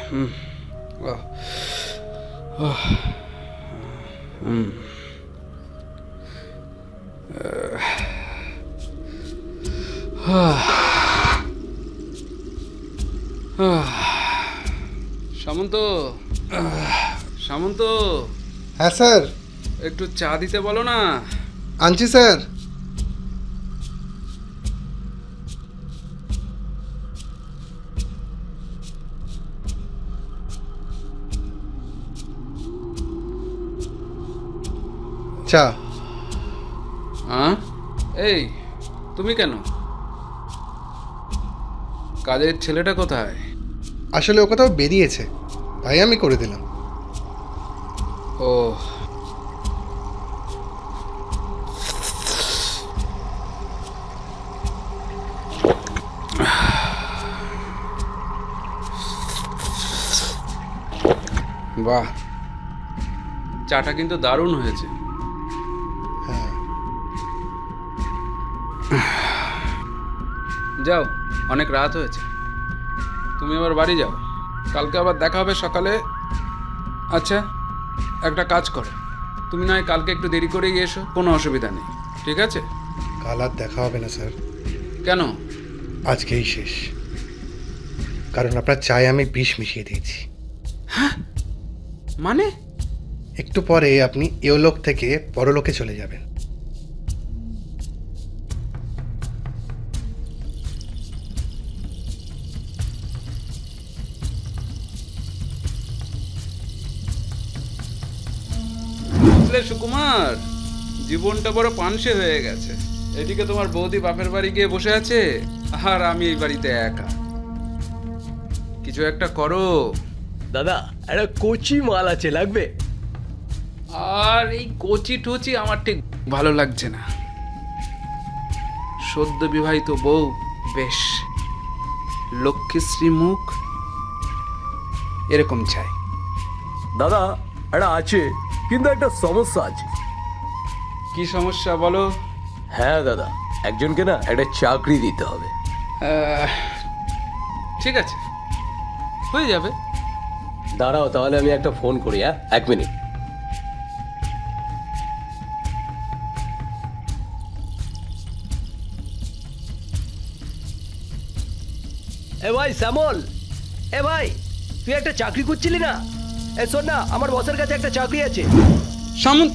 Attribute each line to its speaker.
Speaker 1: সামন্ত, সামন্ত,
Speaker 2: হ্যাঁ স্যার।
Speaker 1: একটু চা দিতে বলো না।
Speaker 2: আনছি স্যার। চা।
Speaker 1: হ্যাঁ, এই তুমি কেন? কাজের ছেলেটা কোথায়?
Speaker 2: আসলে ও কোথাও বেরিয়েছে, তাই আমি করে দিলাম।
Speaker 1: ও, বাহ, চাটা কিন্তু দারুণ হয়েছে।
Speaker 2: হ্যাঁ,
Speaker 1: যাও, অনেক রাত হয়েছে, তুমি আবার বাড়ি যাও, কালকে আবার দেখা হবে সকালে। আচ্ছা, একটা কাজ করো, তুমি নয় কালকে একটু দেরি করেই এসো, কোনো অসুবিধা নেই, ঠিক আছে?
Speaker 2: কাল আর দেখা হবে না স্যার,
Speaker 1: কেন?
Speaker 2: আজকেই শেষ। কারণ আপনার চায়ে আমি বিষ মিশিয়ে দিয়েছি।
Speaker 1: মানে?
Speaker 2: একটু পরে আপনি ইহলোক থেকে পরলোকে চলে যাবেন।
Speaker 1: বুঝলে সুকুমার, জীবনটা বড় পানসে হয়ে গেছে। এদিকে তোমার বৌদি বাপের বাড়ি গিয়ে বসে আছে, আর আমি এই বাড়িতে একা। কিছু একটা করো।
Speaker 3: দাদা, একটা কচি মাল আছে, লাগবে?
Speaker 1: আর এই কচি টচি আমার ঠিক ভালো লাগছে না। সদ্য বিবাহিত বউ, বেশ লক্ষ্মীশ্রী মুখ, এরকম চাই।
Speaker 3: দাদা, একটা আছে, কিন্তু একটা সমস্যা আছে।
Speaker 1: কি সমস্যা বলো?
Speaker 3: হ্যাঁ দাদা, একজনকে না একটা চাকরি দিতে হবে।
Speaker 1: ঠিক আছে, হয়ে যাবে।
Speaker 3: দাঁড়াও, তাহলে আমি একটা ফোন করি। হ্যাঁ, 1 মিনিট। এ ভাই শ্যামল, এ ভাই, তুই একটা চাকরি করছিলি না? এ শোন না, আমার বসের কাছে একটা চাকরি আছে।
Speaker 1: সামন্ত,